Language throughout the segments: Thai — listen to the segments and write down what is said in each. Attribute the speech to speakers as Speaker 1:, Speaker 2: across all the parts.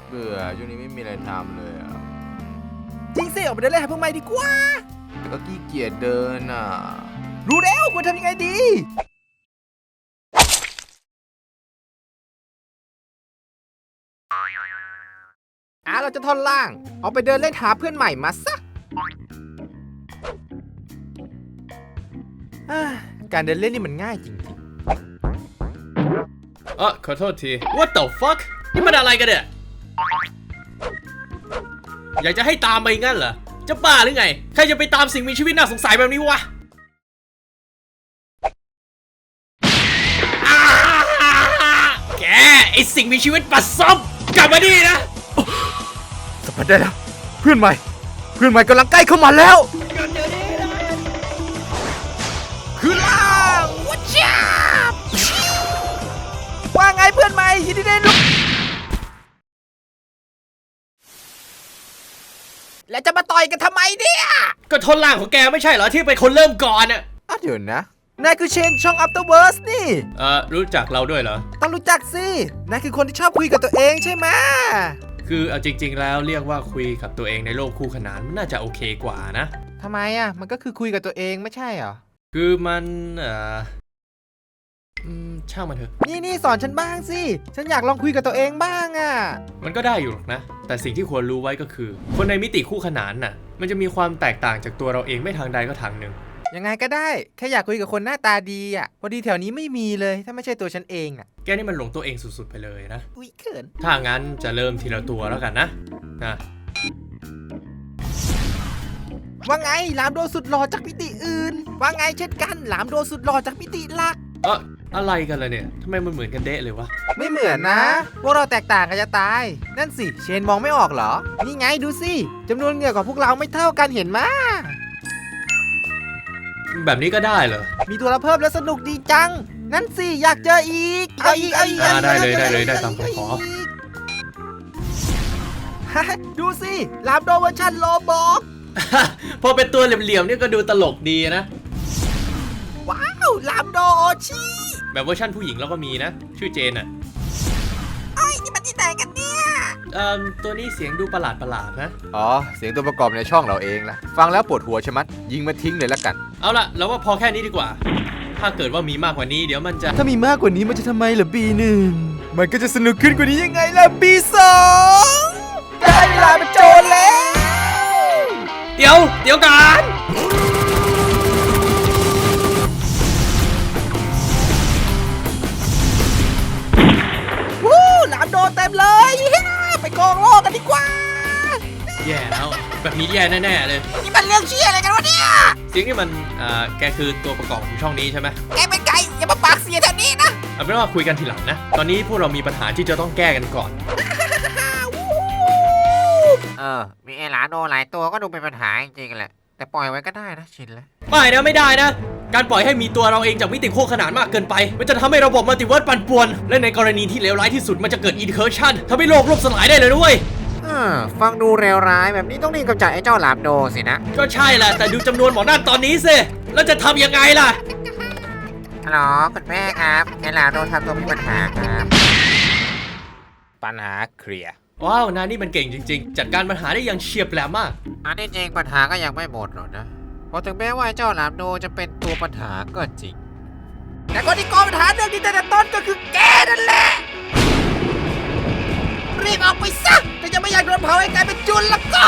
Speaker 1: เบื่อช่วงนี้ไม่มีอะไรทำเลยอ่ะ
Speaker 2: จริงสิออกไปเดินเล่นหาเพื่อนใหม่ดีกว่า
Speaker 1: แต่ก็ขี้เกียจเดินอ่ะ
Speaker 2: รู้แล้วควรทำยังไงดีเราจะท่อนล่างเอาไปเดินเล่นหาเพื่อนใหม่มาซะการเดินเล่นนี่มันง่ายจริง
Speaker 3: ขอโทษที What the fuck นี่มันอะไรกันเนี่ยอยากจะให้ตามไปงั้นเหรอจะบ้าหรือไงใครจะไปตามสิ่งมีชีวิตน่าสงสัยแบบนี้วะแกไอสิ่งมีชีวิตปัสซบกลับมาดินะ
Speaker 2: สัมผัสได้แล้วเพื่อนใหม่กำลังใกล้เข้ามาแล้วคือล่างวัชชาว่าไงเพื่อนใหม่ยินดีได้รู้แล้วจะมาต่อยกันทำไมเนี่ย
Speaker 3: ก็ทนล่างของแกไม่ใช่เหรอที่เป็นคนเริ่มก่อนอะ
Speaker 2: เดี๋ยวนะนายคือเชนช่อง Afterverse นี่
Speaker 3: รู้จักเราด้วยเหรอ
Speaker 2: ต้องรู้จักสินายคือคนที่ชอบคุยกับตัวเองใช่ไหม
Speaker 3: คือเอาจริงๆแล้วเรียกว่าคุยกับตัวเองในโลกคู่ขนานมันน่าจะโอเคกว่านะ
Speaker 2: ทำไมมันก็คือคุยกับตัวเองไม่ใช่เหรอ
Speaker 3: คือมันช่างมันเถอะ
Speaker 2: นี่สอนฉันบ้างสิฉันอยากลองคุยกับตัวเองบ้าง
Speaker 3: มันก็ได้อยู่หรอกนะแต่สิ่งที่ควรรู้ไว้ก็คือคนในมิติคู่ขนานน่ะมันจะมีความแตกต่างจากตัวเราเองไม่ทางใดก็ทางหนึ่ง
Speaker 2: ยังไงก็ได้แค่อยากคุยกับคนหน้าตาดีพอดีแถวนี้ไม่มีเลยถ้าไม่ใช่ตัวฉันเอง
Speaker 3: แกนี่มันหลงตัวเองสุดๆไปเลยนะ
Speaker 2: อุ๊ยเขิน
Speaker 3: ถ้างั้นจะเริ่มทีละตัวแล้วกันนะ
Speaker 2: ว่าไงหลามโดสุดหล่อจากมิติอื่นว่าไงเช่นกันหลามโดสุดหล่อจากมิติหลัก
Speaker 3: อะไรกันล่ะเนี่ยทำไมมันเหมือนกันเดะเลยวะ
Speaker 2: ไม่เหมือนนะพวกเราแตกต่างกันจะตายนั่นสิเชนมองไม่ออกเหรอนี่ไงดูสิจำนวนเหงื่อของพวกเราไม่เท่ากันเห็นไหม
Speaker 3: แบบนี้ก็ได้เหรอ
Speaker 2: มีตัวละเพิ่มแล้วสนุกดีจังนั่นสิอยากเจออีกเอาอีก
Speaker 3: ได้เลยได้ตามคำขอ
Speaker 2: ดูสิลามโดเวอร์ชันโลบอก
Speaker 3: พอเป็นตัวเหลี่ยมๆนี่ก็ดูตลกดีนะ
Speaker 2: ว้าวลามโดโอชิ
Speaker 3: แบบเวอร์ชันผู้หญิงเราก็มีนะชื่อเจน
Speaker 2: นี่มันที่ไหนกันเนี่ย
Speaker 3: ตัวนี้เสียงดูประหลาดนะ
Speaker 1: เสียงตัวประกอบในช่องเราเองละฟังแล้วปวดหัวใช่ไหมยิงมาทิ้งเลยละกัน
Speaker 3: เอาละเราว่าพอแค่นี้ดีกว่าถ้าเกิดว่ามีมากกว่านี้เดี๋ยวมันจะ
Speaker 2: ถ้ามีมากกว่านี้มันจะทำไมล่ะB1มันก็จะสนุกขึ้นกว่านี้ยังไงล่ะB2ได้เวลาเป็นโจรแล้ว
Speaker 3: เดี๋ยวกัน
Speaker 2: หลามโดเต็มเลยไปกองโลกกันดีกว่า
Speaker 3: แย่แล้วแบบนี้แย่แน่ๆเลย
Speaker 2: นี่มันเรื่องเชี่ยอะไรกันวะเนี่ย
Speaker 3: เสียงนี่มันแกคือตัวประกอบของช่องนี้ใช่ไหม
Speaker 2: แกเป็นไก่อย่ามาปากเสียแถวนี้นะ
Speaker 3: เอาเป็นว่าคุยกันทีหลังนะตอนนี้พวกเรามีปัญหาที่จะต้องแก้กันก่อน
Speaker 4: มีไอ้หลาโดหลายตัวก็ดูเป็นปัญหาจริงๆแหละแต่ปล่อยไว้ก็ได้นะชินแล้ว
Speaker 3: ไม่ได้นะการปล่อยให้มีตัวเราเองจากมิติคู่ขนานมากเกินไปมันจะทำให้ระบบมัลติเวิร์สปั่นป่วนและในกรณีที่เลวร้ายที่สุดมันจะเกิดอินเคอร์ชันทำให้โลกล่มสลายได้เลยด้วย
Speaker 4: ฟังดูเลวร้ายแบบนี้ต้องรีบกำจัดไอ้เจ้าหลามโดสินะ
Speaker 3: ก็ใช่แหละแต่ดูจำนวนหมอนั่นตอนนี้สิแล้วจะทำยังไงล่ะ
Speaker 4: ฮัลโหลคุณแม่ครับไอ้หลามโดทำตัวมีปัญหาครับ
Speaker 1: ปัญหาเคลียร์
Speaker 3: ว้าวนายนี่มันเก่งจริงๆจัดการปัญหาได้อย่างเฉียบแหลมมาก
Speaker 4: อันนี้จริงปัญหาก็ยังไม่หมดหรอกนะเพราะถึงแม้ว่าเจ้าหลามโดจะเป็นตัวปัญหาก็จริง
Speaker 2: แต่คนที่ก่อปัญหาเรื่องนี้แต่ต้นก็คือแกนั่นแหละรีบออกไปซะถ้ายังไม่อยากโดนเผาให้กลายเป็นจุลแล้วก็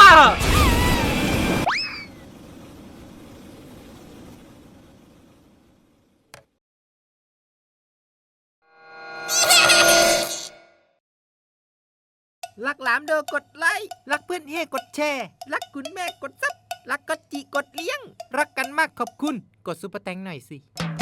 Speaker 2: รักหลามโดกดไลค์รักเพื่อนเฮกดแชร์รักคุณแม่กดซับรักก็จิกดเลี้ยงรักกันมากขอบคุณกดซุปเปอร์แตงหน่อยสิ